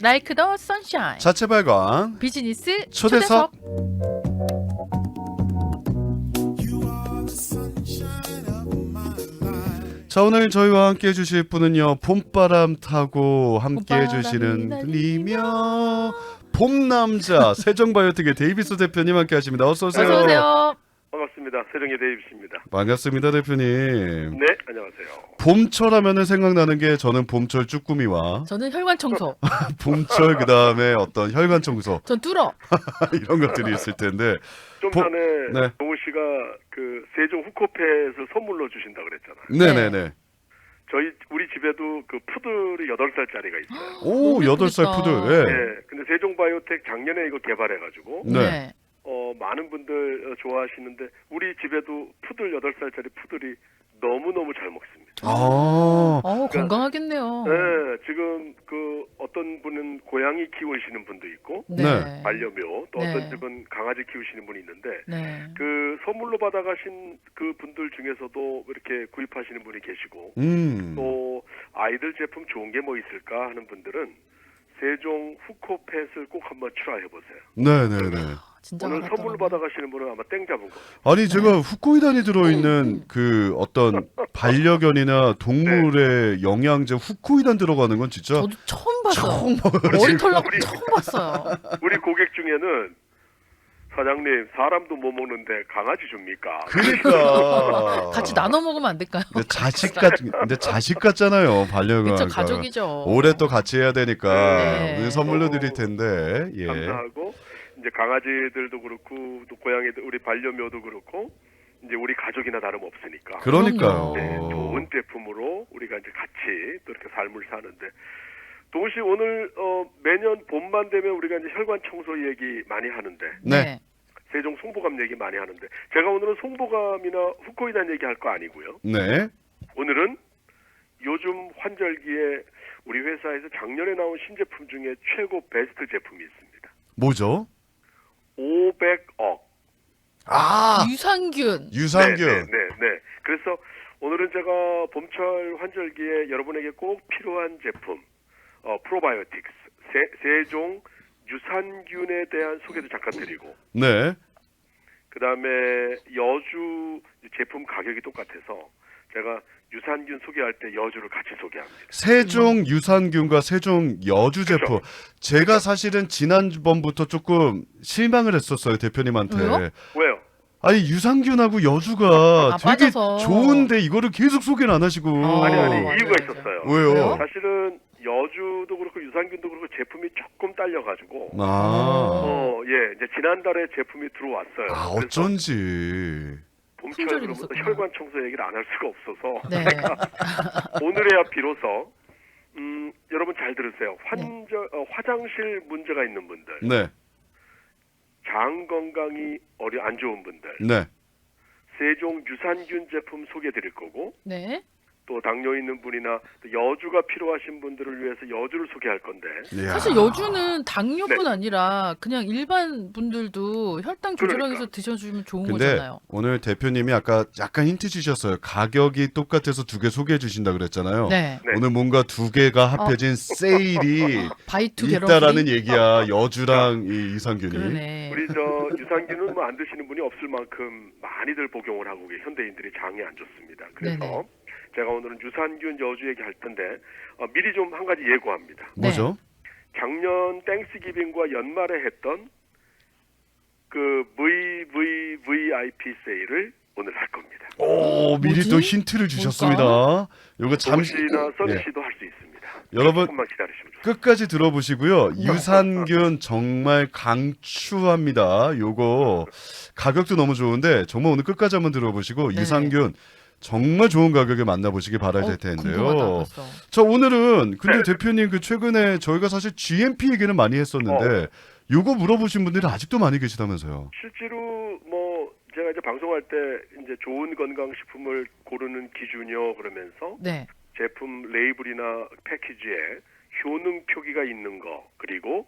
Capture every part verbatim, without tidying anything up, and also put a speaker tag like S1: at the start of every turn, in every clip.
S1: Like the sunshine.
S2: 자체 발광
S1: 비즈니스
S2: 초대석.
S1: 초대석.
S2: 자, 오늘 저희와 함께 해주실 분은요, 봄바람 타고 함께
S1: 봄바람이
S2: 해주시는
S1: 날리며.
S2: 분이며 봄남자 세종바이오텍의 데이비스 대표님 함께 하십니다. 어서 오세요.
S1: 어서 오세요.
S3: 반갑습니다. 세종의 데이비스입니다.
S2: 반갑습니다, 대표님.
S3: 네, 안녕하세요.
S2: 봄철 하면은 생각나는 게 저는 봄철 쭈꾸미와
S1: 저는 혈관 청소.
S2: 봄철 그 다음에 어떤 혈관 청소
S1: 전 뚫어.
S2: 이런 것들이 있을 텐데.
S3: 좀
S2: 보-
S3: 전에
S2: 네.
S3: 동우 씨가 그 세종 후코펫을 선물로 주신다 그랬잖아요.
S2: 네네네.
S3: 저희 우리 집에도 그 푸들이 여덟 살짜리가 있어요.
S2: 오,
S1: 너무
S2: 여덟 살
S1: 예쁘겠다.
S2: 푸들. 예.
S3: 네. 근데 세종 바이오텍 작년에 이거 개발해가지고
S2: 네.
S3: 어 많은 분들 어, 좋아하시는데 우리 집에도 푸들 여덟 살짜리 푸들이 너무 너무 잘 먹습니다.
S2: 아,
S1: 어, 건강하겠네요.
S3: 네, 지금 그 어떤 분은 고양이 키우시는 분도 있고
S1: 네.
S2: 네.
S3: 반려묘 또
S1: 네.
S3: 어떤 집은 강아지 키우시는 분이 있는데
S1: 네.
S3: 그 선물로 받아가신 그 분들 중에서도 이렇게 구입하시는 분이 계시고
S2: 음.
S3: 또 아이들 제품 좋은 게 뭐 있을까 하는 분들은 세종 후코펫을 꼭 한번 트라이 해보세요.
S2: 네네네.
S1: 진짜
S3: 오늘
S1: 알았더라고요.
S3: 선물로 받아가시는 분은 아마 땡 잡은 거.
S2: 아니 제가 후코이단이 들어있는 그 어떤 반려견이나 동물의 영양제 후코이단 들어가는 건 진짜
S1: 저도 처음 봤어요.
S2: 처음 봐요.
S1: 머리털 나고 처음 봤어요.
S3: 우리 고객 중에는 사장님 사람도 못 먹는데 강아지 줍니까?
S2: 그러니까
S1: 같이 나눠 먹으면 안 될까요?
S2: 근데 자식 같 근데 자식 같잖아요 반려견.
S1: 그쵸, 가족이죠.
S2: 올해 또 같이 해야 되니까
S1: 네.
S2: 오늘 선물로 드릴 텐데 예.
S3: 감사하고 이제 강아지들도 그렇고 또 고양이들 우리 반려묘도 그렇고 이제 우리 가족이나 다름 없으니까.
S2: 그러니까요.
S3: 네, 좋은 제품으로 우리가 이제 같이 또 이렇게 삶을 사는데 동시 오늘 어, 매년 봄만 되면 우리가 이제 혈관 청소 얘기 많이 하는데
S2: 네.
S3: 세종 송보감 얘기 많이 하는데 제가 오늘은 송보감이나 후코이단 얘기할 거 아니고요.
S2: 네.
S3: 오늘은 요즘 환절기에 우리 회사에서 작년에 나온 신제품 중에 최고 베스트 제품이 있습니다.
S2: 뭐죠?
S3: 오백억.
S2: 아
S1: 유산균.
S2: 유산균.
S3: 네, 네, 네, 네. 그래서 오늘은 제가 봄철 환절기에 여러분에게 꼭 필요한 제품, 어, 프로바이오틱스, 세, 세종 유산균에 대한 소개도 잠깐 드리고,
S2: 네.
S3: 그 다음에 여주 제품 가격이 똑같아서 제가 유산균 소개할 때 여주를 같이 소개합니다.
S2: 세종 유산균과 세종 여주 제품. 제가 사실은 지난번부터 조금 실망을 했었어요 대표님한테.
S1: 왜요?
S3: 왜요?
S2: 아니 유산균하고 여주가
S1: 아,
S2: 되게
S1: 빠져서.
S2: 좋은데 이거를 계속 소개를 안 하시고.
S1: 어,
S3: 아니, 아니,
S1: 맞아요,
S3: 이유가
S1: 맞아요.
S3: 있었어요.
S2: 왜요?
S1: 왜요?
S3: 사실은 여주도 그렇고 유산균도 그렇고 제품이 조금 딸려가지고,
S2: 아,
S3: 어, 예, 이제 지난달에 제품이 들어왔어요.
S2: 아
S3: 그래서
S2: 어쩐지.
S1: 품절이
S3: 봄철부터
S1: 됐었구나.
S3: 혈관 청소 얘기를 안 할 수가 없어서
S1: 네.
S3: 오늘에야 비로소 음, 여러분 잘 들으세요. 환절 어, 화장실 문제가 있는 분들,
S2: 네,
S3: 장 건강이 어려 안 좋은 분들,
S2: 네.
S3: 세종 유산균 제품 소개드릴 거고
S1: 네.
S3: 또 당뇨 있는 분이나 또 여주가 필요하신 분들을 위해서 여주를 소개할 건데
S2: 이야.
S1: 사실 여주는 당뇨뿐
S3: 네.
S1: 아니라 그냥 일반 분들도 혈당 조절하기 위해서 드셔주면 좋은
S2: 근데
S1: 거잖아요.
S2: 오늘 대표님이 아까 약간 힌트 주셨어요. 가격이 똑같아서 두 개 소개해 주신다 그랬잖아요.
S1: 네.
S3: 네.
S2: 오늘 뭔가 두 개가 합해진 세일이
S1: 바이투 게런
S2: 있다라는 얘기야. 여주랑 이 유산균이.
S1: 그러네.
S3: 우리 저 유산균은 뭐 안 드시는 분이 없을 만큼 많이들 복용을 하고 계신 현대인들이 장이 안 좋습니다. 그래서
S1: 네네.
S3: 제가 오늘은 유산균 여주 얘기할 텐데 어, 미리 좀 한 가지 예고합니다.
S2: 뭐죠?
S3: 작년 땡스기빙과 연말에 했던 그 브이브이브이아이피 세일을 오늘 할 겁니다.
S2: 오, 미리
S1: 뭐지?
S2: 또 힌트를 주셨습니다. 요거 잠시
S3: 잠시나 써니
S2: 네.
S3: 씨도 할 수 있습니다.
S2: 여러분
S3: 조금만 기다리시면 좋습니다.
S2: 끝까지 들어보시고요. 유산균 정말 강추합니다. 요거 가격도 너무 좋은데 정말 오늘 끝까지 한번 들어보시고
S1: 네.
S2: 유산균 정말 좋은 가격에 만나보시기 바라야 될
S1: 어,
S2: 텐데요.
S1: 궁금하다, 벌써.
S2: 자 오늘은 근데
S3: 네.
S2: 대표님 그 최근에 저희가 사실 지엠피 얘기는 많이 했었는데 요거 물어보신 분들이 아직도 많이 계시다면서요.
S3: 실제로 뭐 제가 이제 방송할 때 이제 좋은 건강식품을 고르는 기준이요 그러면서
S1: 네.
S3: 제품 레이블이나 패키지에 효능 표기가 있는 거 그리고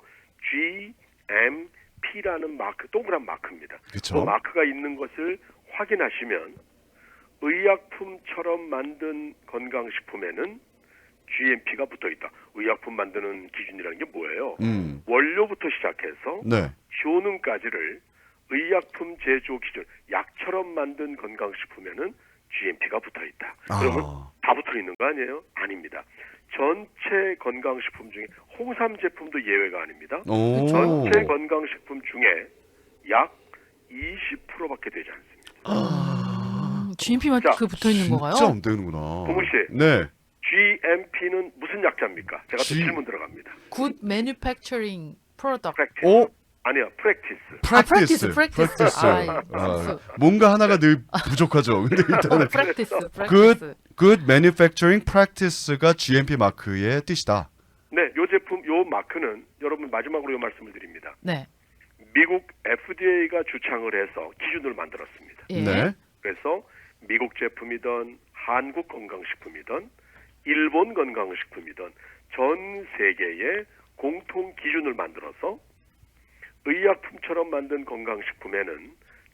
S3: 지엠피라는 마크 동그란 마크입니다. 그
S2: 그렇죠.
S3: 마크가 있는 것을 확인하시면 의약품처럼 만든 건강식품에는 지엠피가 붙어 있다. 의약품 만드는 기준이라는 게 뭐예요?
S2: 음.
S3: 원료부터 시작해서
S2: 네.
S3: 효능까지를 의약품 제조 기준, 약처럼 만든 건강식품에는 지엠피가 붙어 있다. 그러면
S2: 아.
S3: 다 붙어 있는 거 아니에요? 아닙니다. 전체 건강식품 중에 홍삼 제품도 예외가 아닙니다.
S2: 오.
S3: 전체 건강식품 중에 약 이십 퍼센트밖에 되지 않습니다.
S2: 아.
S1: 지엠피
S3: 자,
S1: 마크 붙어 있는 건가요?
S2: 진짜 안 되는구나.
S3: 동훈 씨.
S2: 네.
S3: 지엠피는 무슨 약자입니까? 제가 또
S2: G-
S3: 질문 들어갑니다.
S1: Good Manufacturing Product.
S3: 프랙티스.
S2: 오.
S3: 아니요, 프랙티스.
S2: 프랙티스.
S1: practice, practice. 아,
S2: 아, 뭔가 하나가 늘 부족하죠. 근데 일단은
S1: 프랙티스,
S2: good
S1: 프랙티스.
S2: good manufacturing practice가 지엠피 마크의 뜻이다.
S3: 네, 요 제품, 요 마크는 여러분 마지막으로 요 말씀을 드립니다.
S1: 네.
S3: 미국 에프디에이가 주창을 해서 기준을 만들었습니다.
S1: 예.
S2: 네.
S3: 그래서 미국 제품이든 한국 건강식품이든 일본 건강식품이든 전 세계의 공통 기준을 만들어서 의약품처럼 만든 건강식품에는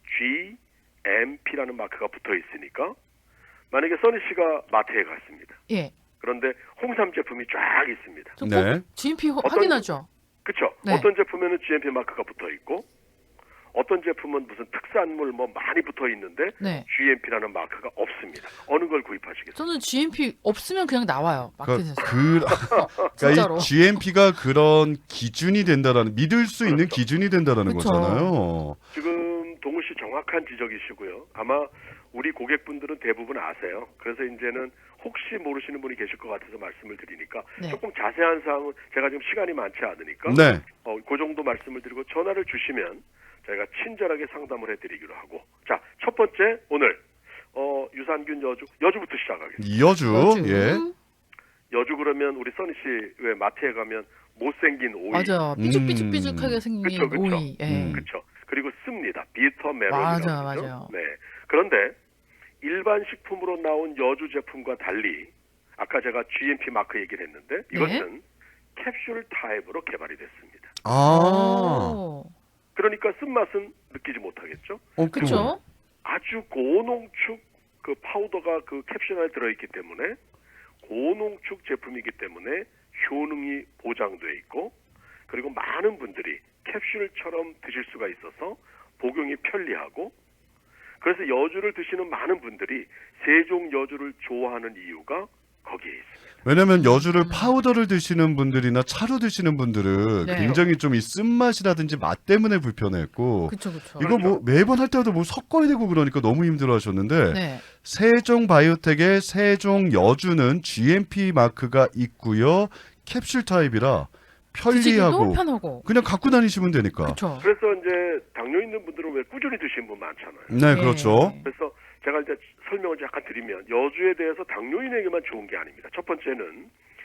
S3: 지엠피라는 마크가 붙어 있으니까 만약에 써니 씨가 마트에 갔습니다.
S1: 예.
S3: 그런데 홍삼 제품이 쫙 있습니다.
S1: 저
S2: 네.
S1: 꼭 지엠피 호-
S3: 어떤-
S1: 확인하죠.
S3: 그렇죠?
S1: 네.
S3: 어떤 제품에는 지엠피 마크가 붙어 있고 어떤 제품은 무슨 특산물 뭐 많이 붙어 있는데
S1: 네.
S3: 지엠피라는 마크가 없습니다. 어느 걸 구입하시겠어요?
S1: 저는 지엠피 없으면 그냥 나와요. 마켓에서.
S2: 그, 그러니까
S1: 진짜로.
S2: 이 지엠피가 그런 기준이 된다라는 믿을 수 있는
S3: 그렇죠.
S2: 기준이 된다라는
S1: 그쵸.
S2: 거잖아요.
S3: 지금 동우 씨 정확한 지적이시고요. 아마 우리 고객분들은 대부분 아세요. 그래서 이제는 혹시 모르시는 분이 계실 것 같아서 말씀을 드리니까
S1: 네.
S3: 조금 자세한 사항은 제가 지금 시간이 많지 않으니까
S2: 네.
S3: 어, 그 정도 말씀을 드리고 전화를 주시면 저희가 친절하게 상담을 해드리기로 하고 자, 첫 번째 오늘 어, 유산균 여주 여주부터 시작하겠습니다.
S2: 여주.
S1: 여주.
S2: 예.
S3: 여주 그러면 우리 써니 씨 왜 마트에 가면 못생긴 오이
S1: 맞아. 삐죽삐죽삐죽하게
S2: 음.
S1: 생긴
S3: 그쵸, 그쵸.
S1: 오이. 예.
S2: 음.
S3: 그렇죠. 그리고 씁니다. 비터 메론이라고
S1: 맞아,
S3: 그러죠.
S1: 맞아요.
S3: 네. 그런데 일반 식품으로 나온 여주 제품과 달리 아까 제가 지엠피 마크 얘기를 했는데 이것은 캡슐 타입으로 개발이 됐습니다.
S2: 아.
S1: 오.
S3: 그러니까 쓴맛은 느끼지 못하겠죠.
S2: 어,
S1: 그쵸?
S3: 아주 고농축 그 파우더가 그 캡슐 안에 들어있기 때문에 고농축 제품이기 때문에 효능이 보장돼 있고 그리고 많은 분들이 캡슐처럼 드실 수가 있어서 복용이 편리하고 그래서 여주를 드시는 많은 분들이 세종 여주를 좋아하는 이유가 거기에 있습니다.
S2: 왜냐면 여주를 파우더를 드시는 분들이나 차로 드시는 분들은
S1: 네.
S2: 굉장히 좀 이 쓴맛이라든지 맛 때문에 불편했고
S1: 그쵸, 그쵸.
S2: 이거 뭐 매번 할 때마다 뭐 섞어야 되고 그러니까 너무 힘들어하셨는데
S1: 네.
S2: 세종 바이오텍의 세종 여주는 지엠피 마크가 있고요. 캡슐 타입이라
S1: 드시기도
S2: 편리하고
S1: 편하고.
S2: 그냥 갖고 다니시면 되니까.
S1: 그쵸.
S3: 그래서 이제 당뇨 있는 분들은 왜 꾸준히 드시는 분 많잖아요.
S2: 네,
S1: 예.
S2: 그렇죠.
S3: 그래서 제가 이제 설명을 약간 드리면 여주에 대해서 당뇨인에게만 좋은 게 아닙니다. 첫 번째는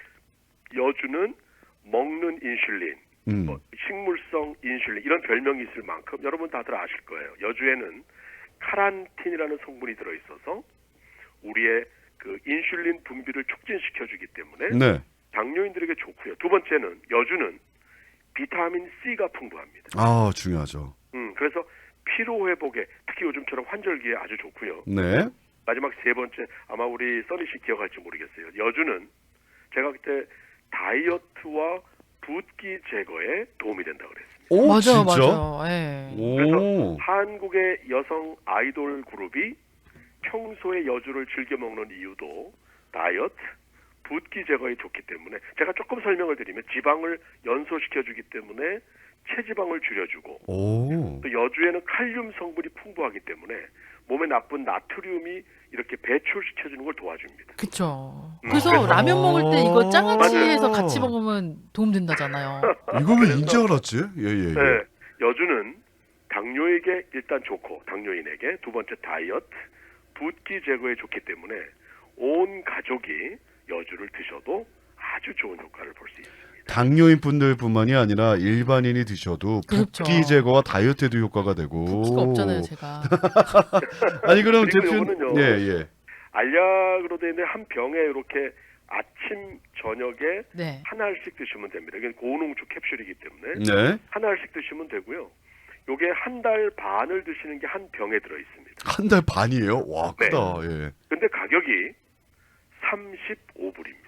S3: 여주는 먹는 인슐린,
S2: 음.
S3: 뭐 식물성 인슐린 이런 별명이 있을 만큼 여러분 다들 아실 거예요. 여주에는 카란틴이라는 성분이 들어있어서 우리의 그 인슐린 분비를 촉진시켜주기 때문에
S2: 네.
S3: 당뇨인들에게 좋고요. 두 번째는 여주는 비타민 C가 풍부합니다.
S2: 아, 중요하죠.
S3: 음, 그래서 피로 회복에 특히 요즘처럼 환절기에 아주 좋고요.
S2: 네.
S3: 마지막 세 번째 아마 우리 써니 씨 기억할지 모르겠어요. 여주는 제가 그때 다이어트와 붓기 제거에 도움이 된다고 그랬습니다.
S2: 오,
S1: 맞아,
S2: 진짜?
S1: 맞아. 예.
S3: 그래서
S2: 오.
S3: 한국의 여성 아이돌 그룹이 평소에 여주를 즐겨 먹는 이유도 다이어트, 붓기 제거에 좋기 때문에 제가 조금 설명을 드리면 지방을 연소시켜주기 때문에 체지방을 줄여주고
S2: 오.
S3: 또 여주에는 칼륨 성분이 풍부하기 때문에 몸에 나쁜 나트륨이 이렇게 배출시켜주는 걸 도와줍니다.
S1: 그쵸.
S3: 음,
S1: 그래서
S3: 그래서-
S1: 라면 먹을 때 이거 장아찌
S2: 맞아요.
S1: 해서 같이 먹으면 도움 된다잖아요.
S2: 이거 왜
S3: 그래서-
S2: 인지 알았지? 예, 예, 예.
S3: 네, 여주는 당뇨에게 일단 좋고 당뇨인에게 두 번째 다이어트, 붓기 제거에 좋기 때문에 온 가족이 여주를 드셔도 아주 좋은 효과를 볼 수 있습니다.
S2: 당뇨인 분들뿐만이 아니라 일반인이 드셔도
S1: 그렇죠.
S2: 붓기 제거와 다이어트에도 효과가 되고.
S1: 붓기가 없잖아요, 제가.
S2: 아니 그럼
S3: 그리고
S2: 대표
S3: 요거는요.
S2: 예, 예.
S3: 알약으로 되어 있는 한 병에 이렇게 아침 저녁에
S1: 네.
S3: 한 알씩 드시면 됩니다. 이게 고농축 캡슐이기 때문에
S2: 네.
S3: 한 알씩 드시면 되고요. 요게 한 달 반을 드시는 게 한 병에 들어 있습니다.
S2: 한 달 반이에요? 와,
S3: 네.
S2: 크다. 예.
S3: 근데 가격이 삼십오 불입니다.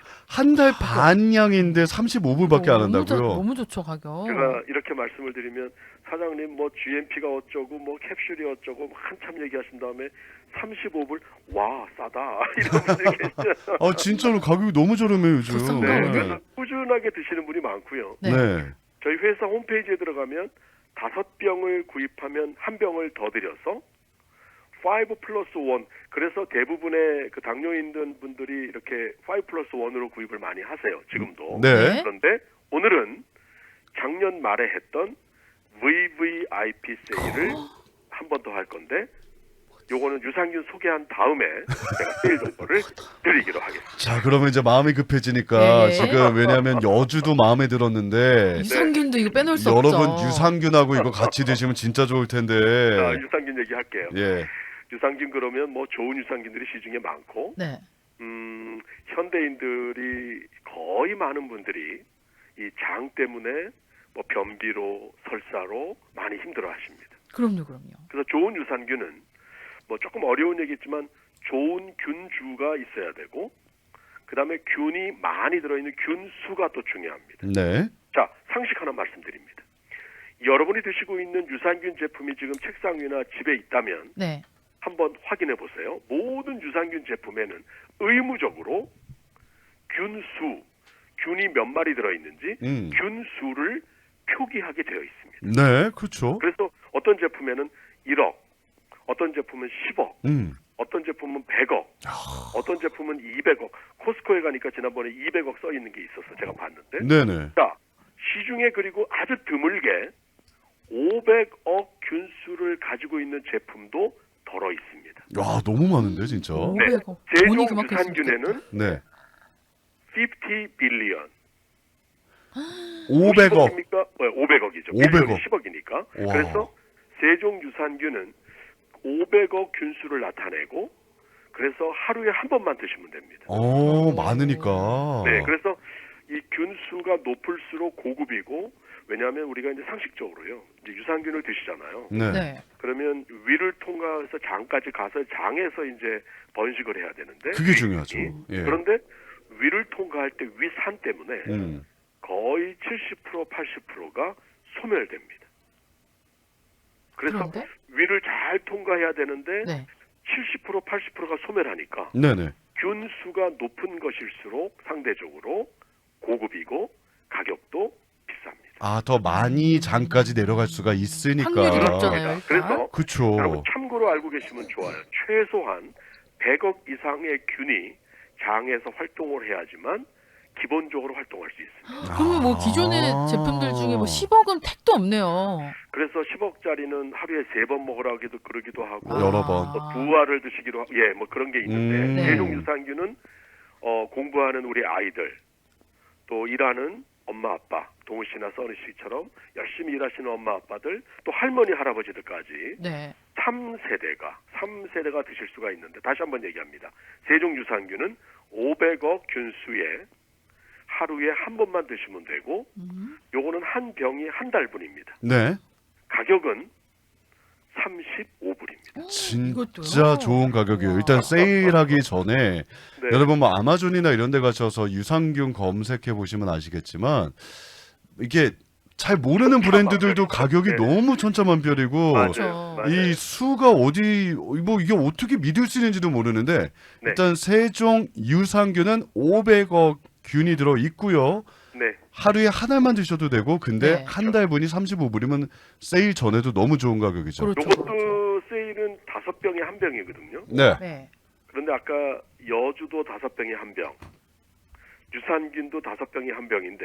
S2: 한 달 반량인데 삼십오 불밖에 안
S1: 너무 좋-
S2: 한다고요?
S1: 너무 좋죠 가격.
S3: 제가 이렇게 말씀을 드리면 사장님 뭐 지엠피가 어쩌고 뭐 캡슐이 어쩌고 한참 얘기하신 다음에 삼십오 불 와 싸다 이런 분들이 계시죠.
S2: 아 진짜로 가격이 너무 저렴해요 요즘.
S1: 더 싼가
S3: 네,
S1: 보네.
S3: 그래서 꾸준하게 드시는 분이 많고요.
S1: 네.
S2: 네.
S3: 저희 회사 홈페이지에 들어가면 다섯 병을 구입하면 한 병을 더 드려서 오 플러스 일. 그래서 대부분의 그 당뇨 있는 분들이 이렇게 오 플러스 일으로 구입을 많이 하세요. 지금도.
S2: 네.
S3: 그런데 오늘은 작년 말에 했던 브이브이아이피 세일을 한 번 더 할 건데 요거는 유산균 소개한 다음에 제가 세일 정보를 드리기로 하겠습니다.
S2: 자 그러면 이제 마음이 급해지니까
S1: 네.
S2: 지금 왜냐하면 여주도 마음에 들었는데
S1: 유산균도 이거 빼놓을 수
S2: 여러분
S1: 없죠.
S2: 유산균하고 이거 같이 드시면 진짜 좋을 텐데.
S3: 자, 유산균 얘기할게요.
S2: 예.
S3: 유산균 그러면 뭐 좋은 유산균들이 시중에 많고
S1: 네.
S3: 음, 현대인들이 거의 많은 분들이 이 장 때문에 뭐 변비로 설사로 많이 힘들어하십니다.
S1: 그럼요, 그럼요.
S3: 그래서 좋은 유산균은 뭐 조금 어려운 얘기겠지만 좋은 균주가 있어야 되고 그다음에 균이 많이 들어있는 균수가 또 중요합니다.
S2: 네.
S3: 자, 상식 하나 말씀드립니다. 여러분이 드시고 있는 유산균 제품이 지금 책상 위나 집에 있다면
S1: 네.
S3: 한번 확인해 보세요. 모든 유산균 제품에는 의무적으로 균수, 균이 몇 마리 들어있는지
S2: 음.
S3: 균수를 표기하게 되어 있습니다.
S2: 네, 그렇죠.
S3: 그래서 어떤 제품에는 일억, 어떤 제품은 십억,
S2: 음.
S3: 어떤 제품은 백억, 어떤 제품은 이백억. 코스코에 가니까 지난번에 이백억 써 있는 게 있었어. 제가 봤는데.
S2: 네네.
S3: 자, 시중에 그리고 아주 드물게 오백억 균수를 가지고 있는 제품도 덜어 있습니다.
S2: 와 너무 많은데 진짜.
S3: 네.
S1: 오백억.
S3: 세종
S1: 돈이 그만큼 있으면
S3: 유산균에는
S2: 네.
S3: 오십 빌리언.
S2: 오백억.
S3: 입니까? 오백억이죠.
S2: 오백억.
S3: 십억이니까.
S2: 와.
S3: 그래서 세종 유산균은 오백억 균수를 나타내고 그래서 하루에 한 번만 드시면 됩니다.
S2: 어 많으니까.
S3: 네, 그래서 이 균수가 높을수록 고급이고 왜냐하면 우리가 이제 상식적으로요. 이제 유산균을 드시잖아요.
S2: 네.
S1: 네.
S3: 그러면 위를 통과해서 장까지 가서 장에서 이제 번식을 해야 되는데
S2: 그게 중요하죠. 예.
S3: 그런데 위를 통과할 때 위산 때문에
S2: 음.
S3: 거의 칠십 퍼센트 팔십 퍼센트가 소멸됩니다. 그래서
S1: 그런데?
S3: 위를 잘 통과해야 되는데
S1: 네.
S3: 칠십 퍼센트 팔십 퍼센트가 소멸하니까
S2: 네네.
S3: 균수가 높은 것일수록 상대적으로 고급이고 가격도 비쌉니다.
S2: 아 더 많이 장까지 내려갈 수가 있으니까.
S1: 확률이 높잖아요. 일단.
S3: 그래서
S2: 그쵸.
S3: 여러분 참고로 알고 계시면 좋아요. 최소한 백억 이상의 균이 장에서 활동을 해야지만 기본적으로 활동할 수 있습니다.
S1: 그러면 뭐 기존의
S2: 아.
S1: 제품들 중에 뭐 십억은 택도 없네요.
S3: 그래서 십억짜리는 하루에 세 번 먹으라기도 그러기도 하고
S1: 아.
S2: 여러 번.
S3: 또 부화를 드시기로 하고 예, 뭐 그런 게 있는데
S2: 음.
S1: 네.
S3: 세종 유산균은 어, 공부하는 우리 아이들 또 일하는 엄마 아빠 동우 씨나 써니 씨처럼 열심히 일하시는 엄마 아빠들 또 할머니 할아버지들까지
S1: 네.
S3: 삼 세대가 삼 세대가 드실 수가 있는데 다시 한번 얘기합니다. 세종 유산균은 오백억 균수에 하루에 한 번만 드시면 되고
S1: 음.
S3: 요거는 한 병이 한 달분입니다.
S2: 네.
S3: 가격은 삼십오 불입니다.
S1: 이것도요?
S2: 진짜 좋은 가격이에요.
S1: 우와.
S2: 일단 세일하기 전에
S3: 네.
S2: 여러분 뭐 아마존이나 이런 데 가셔서 유산균 검색해 보시면 아시겠지만 이게 잘 모르는 브랜드들도 가격이
S3: 네.
S2: 너무 천차만별이고
S3: 맞아요.
S1: 그렇죠.
S3: 맞아요.
S2: 이 수가 어디 뭐 이게 어떻게 믿을 수 있는지도 모르는데
S3: 네.
S2: 일단 세종 유산균은 오백억 균이 들어 있고요.
S3: 네.
S2: 하루에 하나만 드셔도 되고 근데
S1: 네.
S2: 한 달분이 삼십오 불이면 세일 전에도 너무 좋은 가격이죠.
S1: 그렇죠.
S3: 요것도
S1: 그렇죠.
S3: 세일은 다섯 병에 한 병이거든요.
S2: 네.
S1: 네.
S3: 그런데 아까 여주도 다섯 병에 한 병, 유산균도 다섯 병에 한 병인데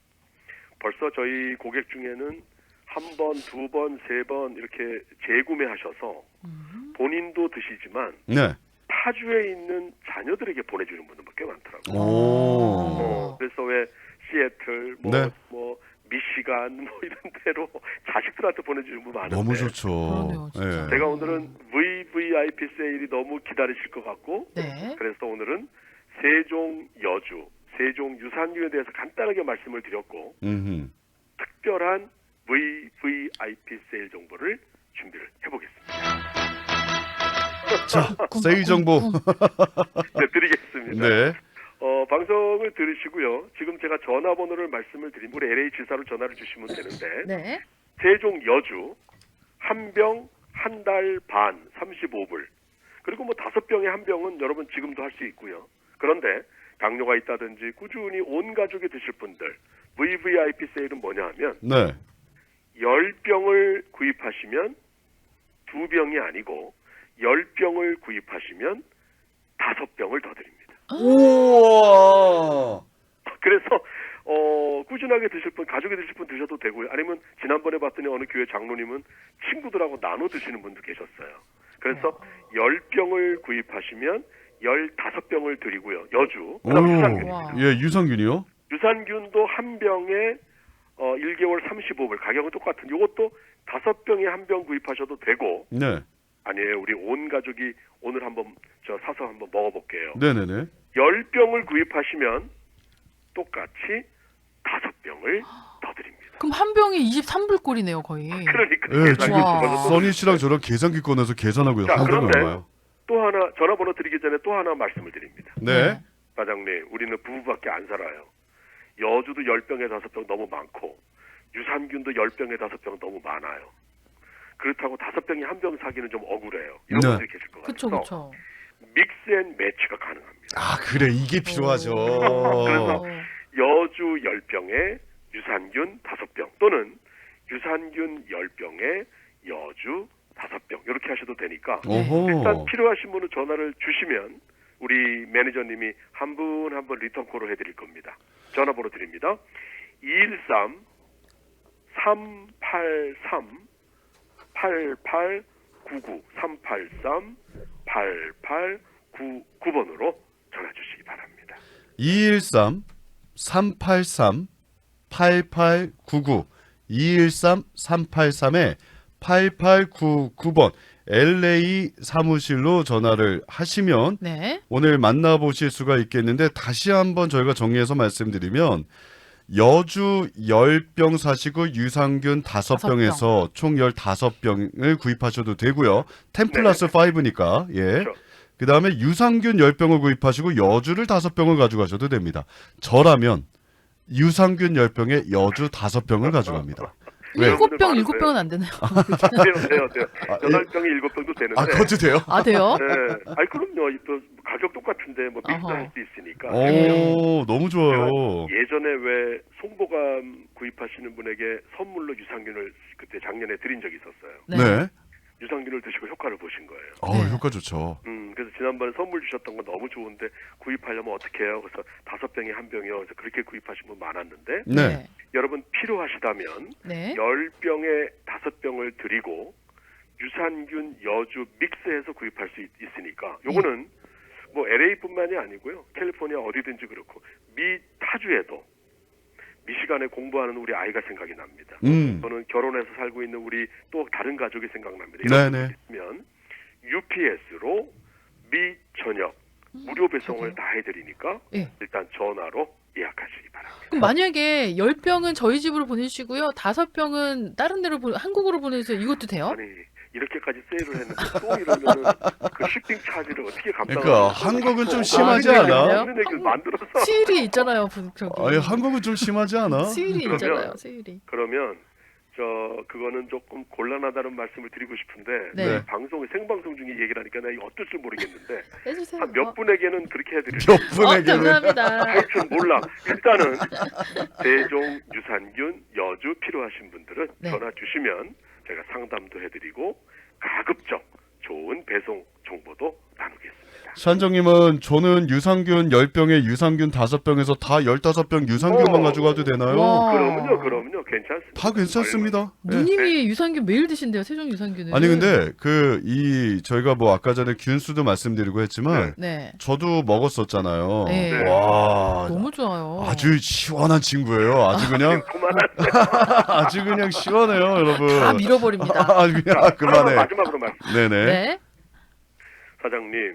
S3: 벌써 저희 고객 중에는 한 번, 두 번, 세 번 이렇게 재구매하셔서
S1: 음.
S3: 본인도 드시지만
S2: 네.
S3: 타주에 있는 자녀들에게 보내주는 분들 꽤 많더라고요.
S2: 오.
S3: 어, 그래서 왜 시애틀, 뭐,
S2: 네.
S3: 뭐 미시간 뭐 이런 데로 자식들한테 보내주는 분 많은데
S2: 너무 좋죠.
S1: 그러네요, 진짜.
S2: 예.
S3: 제가 오늘은 브이브이아이피 세일이 너무 기다리실 것 같고
S1: 네.
S3: 그래서 오늘은 세종 여주, 세종 유산균에 대해서 간단하게 말씀을 드렸고
S2: 음흠.
S3: 특별한 브이브이아이피 세일 정보를 준비를 해보겠습니다.
S2: 자, 세일 정보.
S3: 네, 드리겠습니다.
S2: 네.
S3: 어, 방송을 들으시고요. 지금 제가 전화번호를 말씀을 드리면 우리 엘에이 지사로 전화를 주시면 되는데
S1: 네.
S3: 세종 여주 한 병 한 달 반 삼십오 불 그리고 뭐 다섯 병에 한 병은 여러분 지금도 할 수 있고요. 그런데 당뇨가 있다든지 꾸준히 온 가족이 드실 분들 브이브이아이피 세일은 뭐냐 하면
S2: 네.
S3: 열 병을 구입하시면 두 병이 아니고 열 병을 구입하시면 다섯 병을 더 드립니다.
S2: 우와.
S3: 그래서 어, 꾸준하게 드실 분, 가족이 드실 분 드셔도 되고요. 아니면 지난번에 봤더니 어느 교회 장로님은 친구들하고 나눠 드시는 분도 계셨어요. 그래서 열 병을 구입하시면 열다섯 병을 드리고요. 여주. 그다음 유산균.
S1: 와.
S2: 예, 유산균이요?
S3: 유산균도 한 병에 어, 일 개월 삼십오 불. 가격은 똑같은. 이것도 다섯 병에 한 병 구입하셔도 되고.
S2: 네.
S3: 아니에요. 우리 온 가족이 오늘 한번 저 사서 한번 먹어볼게요.
S2: 네네네.
S3: 열 병을 구입하시면 똑같이 다섯 병을 더 드립니다.
S1: 그럼 한 병에 이십삼 불 꼴이네요, 거의.
S3: 그러니까
S2: 예, 지금
S1: 와.
S2: 써니 씨랑 저랑 계산기 꺼내서 계산하고
S3: 자,
S2: 한 병이
S3: 그런데
S2: 얼마요?
S3: 또 하나 전화번호 드리기 전에 또 하나 말씀을 드립니다.
S2: 네.
S3: 과장님, 우리는 부부밖에 안 살아요. 여주도 열 병에 다섯 병 너무 많고 유산균도 열 병에 다섯 병 너무 많아요. 그렇다고 다섯 병이 한 병 사기는 좀 억울해요. 이런
S2: 네.
S3: 분들이 계실 것
S1: 그쵸,
S3: 같아서
S1: 그쵸.
S3: 믹스앤 매치가 가능합니다.
S2: 아, 그래. 이게 필요하죠.
S3: 그래서 여주 열 병에 유산균 다섯 병 또는 유산균 열 병에 여주 다섯 병 이렇게 하셔도 되니까
S2: 오호.
S3: 일단 필요하신 분은 전화를 주시면 우리 매니저님이 한 분 한 분 리턴콜을 해드릴 겁니다. 전화번호 드립니다. 이일삼 삼팔삼 팔팔구구 삼팔삼 팔팔구구 번으로 전화 주시기 바랍니다.
S2: 이일삼 삼팔삼 팔팔구구 이일삼 삼팔삼에 팔팔구구 번 엘에이 사무실로 전화를 하시면
S1: 네.
S2: 오늘 만나보실 수가 있겠는데 다시 한번 저희가 정리해서 말씀드리면 여주 열 병 사시고 유산균 다섯
S1: 다섯
S2: 병에서 총 열다섯 병을 구입하셔도 되고요. 텐 플러스 오니까 예.
S3: 그렇죠.
S2: 그 다음에 유산균 열 병을 구입하시고 여주를 다섯 병을 가져가셔도 됩니다. 저라면 유산균 열 병에 여주 다섯 병을 가져갑니다. 왜?
S1: 일곱 병, 일곱 병은 안 되나요?
S3: 돼요, 돼요, 돼요.
S2: 아,
S3: 여덟 병에 일곱 병도 되는데.
S2: 아, 그것도 돼요?
S1: 아, 돼요?
S3: 네. 아니 그럼요. 또 가격 똑같은데 뭐 믹스할
S1: 어허.
S3: 수 있으니까.
S2: 오, 너무 좋아요.
S3: 예전에 왜 송보감 구입하시는 분에게 선물로 유산균을 그때 작년에 드린 적이 있었어요.
S1: 네.
S2: 네.
S3: 유산균을 드시고 효과를 보신 거예요.
S2: 어,
S1: 네.
S2: 효과 좋죠.
S3: 음, 그래서 지난번에 선물 주셨던 건 너무 좋은데 구입하려면 어떻게 해요? 그래서 다섯 병에 한 병이요. 그래서 그렇게 구입하신 분 많았는데
S2: 네.
S3: 여러분 필요하시다면
S1: 네.
S3: 열 병에 다섯 병을 드리고 유산균 여주 믹스해서 구입할 수 있, 있으니까 요거는 뭐 엘에이뿐만이 아니고요. 캘리포니아 어디든지 그렇고 미 타주에도 미시간에 공부하는 우리 아이가 생각이 납니다.
S2: 음.
S3: 저는 결혼해서 살고 있는 우리 또 다른 가족이 생각납니다.
S2: 네네.
S3: 이런 분이 있으면 유피에스로 미 전역 무료 배송을
S1: 저도요.
S3: 다 해드리니까
S1: 예.
S3: 일단 전화로 예약하시기 바랍니다.
S1: 그럼 만약에 열 병은 저희 집으로 보내주시고요. 다섯 병은 다른 데로 보, 한국으로 보내주세요. 이것도 돼요?
S3: 아니 이렇게까지 세일을 했는데 또 이러면은 그 쇼핑 차지를 어떻게 감당하는
S2: 그러니까 한국은 좀 심하지
S1: 아,
S2: 않아?
S1: 그래요?
S3: 이런 얘기를 만들어서
S1: 수일이 있잖아요. 부- 저기.
S2: 아니, 한국은 좀 심하지 않아?
S1: 수일이
S3: 그러면-
S1: 있잖아요. 수일이.
S3: 그러면 저 그거는 조금 곤란하다는 말씀을 드리고 싶은데
S1: 네.
S2: 네.
S3: 방송에 생방송 중에 얘기를 하니까 내가 이거 어쩔 줄 모르겠는데
S1: 해주세요.
S3: 한 몇
S1: 어.
S3: 분에게는 그렇게 해드릴
S2: 몇
S1: 어,
S2: 분에게는
S1: 감사합니다.
S3: 하여튼 몰라. 일단은 세종 유산균 여주 필요하신 분들은
S1: 네.
S3: 전화 주시면 제가 상담도 해드리고 가급적 좋은 배송 정보도 나누겠습니다.
S2: 산정님은 저는 유산균 열 병에 유산균 다섯 병에서 다 열다섯 병 유산균만
S3: 어.
S2: 가져가도 되나요?
S1: 와.
S3: 그러면요, 그러면요, 괜찮습니다.
S2: 다 괜찮습니다. 네.
S1: 누님이 유산균 매일 드신대요. 세종 유산균을.
S2: 아니 근데 그 이 저희가 뭐 아까 전에 균수도 말씀드리고 했지만
S1: 네.
S2: 저도 먹었었잖아요.
S1: 네.
S2: 와
S1: 너무 좋아요.
S2: 아주 시원한 친구예요. 아주 그냥
S3: 그만한
S2: 아주 그냥 시원해요, 여러분.
S1: 다 밀어버립니다.
S2: 아주 그냥 아, 그만해.
S3: 마지막으로 말씀.
S2: 네네.
S1: 네.
S3: 사장님,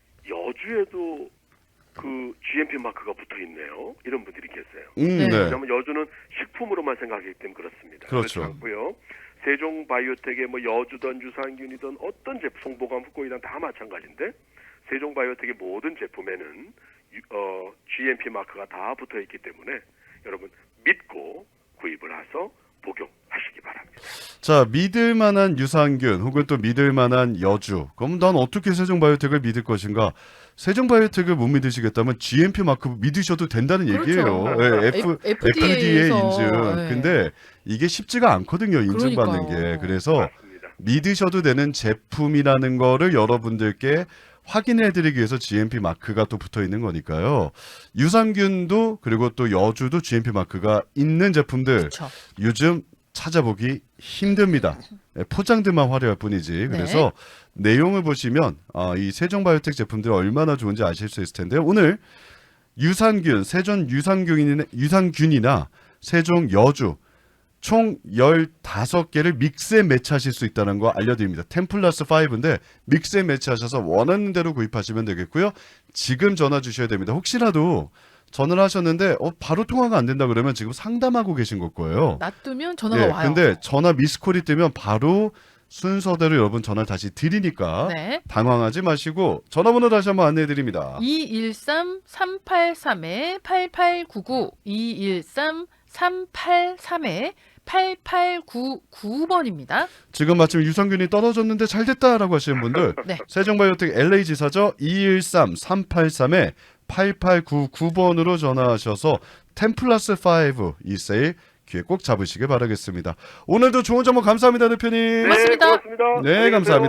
S3: 여주에도 그 지엠피 마크가 붙어 있네요. 이런 분들이 계세요.
S2: 음,
S1: 네.
S2: 네.
S3: 왜냐하면 여주는 식품으로만 생각하기 때문에 그렇습니다.
S2: 그렇죠.
S3: 그렇지 않고요. 세종 바이오텍의 뭐 여주든 유산균이든 어떤 제품, 송보감, 후코이단 다 마찬가지인데 세종 바이오텍의 모든 제품에는 유- 어, 지엠피 마크가 다 붙어 있기 때문에 여러분 믿고 구입을 해서 복용하시기 바랍니다.
S2: 자, 믿을 만한 유산균 혹은 또 믿을 만한 여주. 그럼 난 어떻게 세종바이오텍을 믿을 것인가? 세종바이오텍을 못 믿으시겠다면 지엠피 마크 믿으셔도 된다는 얘기예요.
S1: 그렇죠.
S2: 예, F,
S1: 에프디에이에서,
S2: 에프디에이 인증.
S1: 네.
S2: 근데 이게 쉽지가 않거든요. 인증받는
S1: 그러니까요.
S2: 게. 그래서
S3: 맞습니다.
S2: 믿으셔도 되는 제품이라는 거를 여러분들께 확인해드리기 위해서 지엠피 마크가 또 붙어 있는 거니까요. 유산균도 그리고 또 여주도 지엠피 마크가 있는 제품들
S1: 그렇죠.
S2: 요즘 찾아보기 힘듭니다. 네, 포장들만 화려할 뿐이지. 그래서 내용을 보시면 아, 이 세종바이오텍 제품들이 얼마나 좋은지 아실 수 있을 텐데요. 오늘 유산균, 세종 유산균이나, 유산균이나 세종 여주 총 열다섯 개를 믹스에 매치하실 수 있다는 거 알려드립니다. 텐 플러스 오인데 믹스에 매치하셔서 원하는 대로 구입하시면 되겠고요. 지금 전화 주셔야 됩니다. 혹시라도 전화를 하셨는데 어, 바로 통화가 안 된다 그러면 지금 상담하고 계신 걸 거예요.
S1: 놔두면 전화가
S2: 예,
S1: 와요.
S2: 근데 전화 미스콜이 뜨면 바로 순서대로 여러분 전화 다시 드리니까
S1: 네.
S2: 당황하지 마시고 전화번호 다시 한번 안내해 드립니다.
S1: 이일삼 삼팔삼 팔팔구구 이일삼 삼팔삼 팔팔구구 번입니다.
S2: 지금 마침 유산균이 떨어졌는데 잘 됐다라고 하시는 분들
S1: 네.
S2: 세종바이오텍 엘에이 지사죠. 이일삼 삼팔삼 팔팔구구 번으로 전화하셔서 텐 플러스 오 이 세일 귀에 꼭 잡으시길 바라겠습니다. 오늘도 좋은 정보 감사합니다, 대표님.
S1: 고맙습니다.
S3: 네, 고맙습니다.
S2: 네,
S3: 안녕히 계세요.
S2: 감사합니다.